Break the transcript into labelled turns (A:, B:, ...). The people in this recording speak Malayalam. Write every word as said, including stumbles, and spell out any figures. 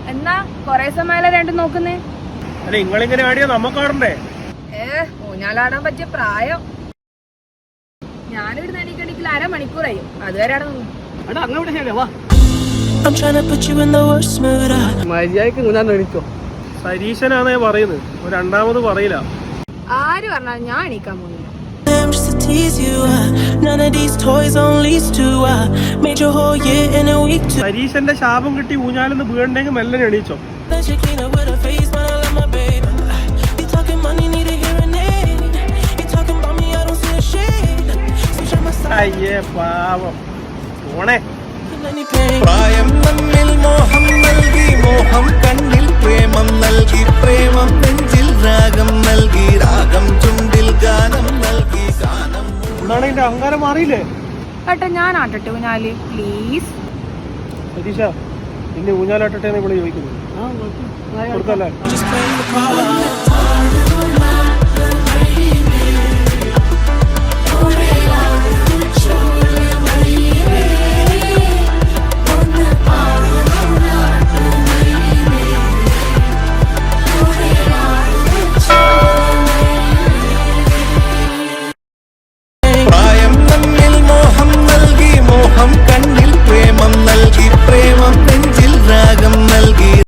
A: എന്നാ കൊറേ സമയം രണ്ടും നോക്കുന്നേ.
B: അല്ല നിങ്ങളിങ്ങനെ ആടിയോ നമ്മക്കാടണ്ടേ?
A: ഏ ഊഞ്ഞാലാടാൻ പറ്റിയ പ്രായം. ഞാനിവിടെ എണീക്കണെങ്കിൽ അരമണിക്കൂറായി. അതുവരെ അവിടെ നിന്നു.
B: സരീശനാന്നേ പറയുന്നത്, രണ്ടാമത് പറയില്ല.
A: ആര് പറഞ്ഞാലും ഞാൻ എണീക്കാൻ പോകുന്നില്ല.
B: സരീശന്റെ ശാപം കിട്ടി ഊഞ്ഞാലെന്ന് വീണ്ടെങ്കിൽ മെല്ലനെ എണീച്ചോ. അയ്യേ പാവം പോണേ.
C: പ്രായം നമ്മിൽ മോഹം നൽകി, മോഹം കണ്ണിൽ പ്രേമം നൽകി, പ്രേമം നെഞ്ചിൽ രാഗം നൽകി, രാഗം ചുണ്ടിൽ ഗാനം നൽകി, ഗാനം.
B: എന്നാണ് എന്റെ അഹങ്കാരം മാറിയില്ലേ?
A: ഏട്ടാ ഞാൻ ആട്ടട്ടെ ഊഞ്ഞാല് പ്ലീസ്.
B: സതീശ ഇനി ഊഞ്ഞാലാട്ടട്ടെ ഇവിടെ ചോദിക്കുന്നു. കൊടുക്കല്ലേ?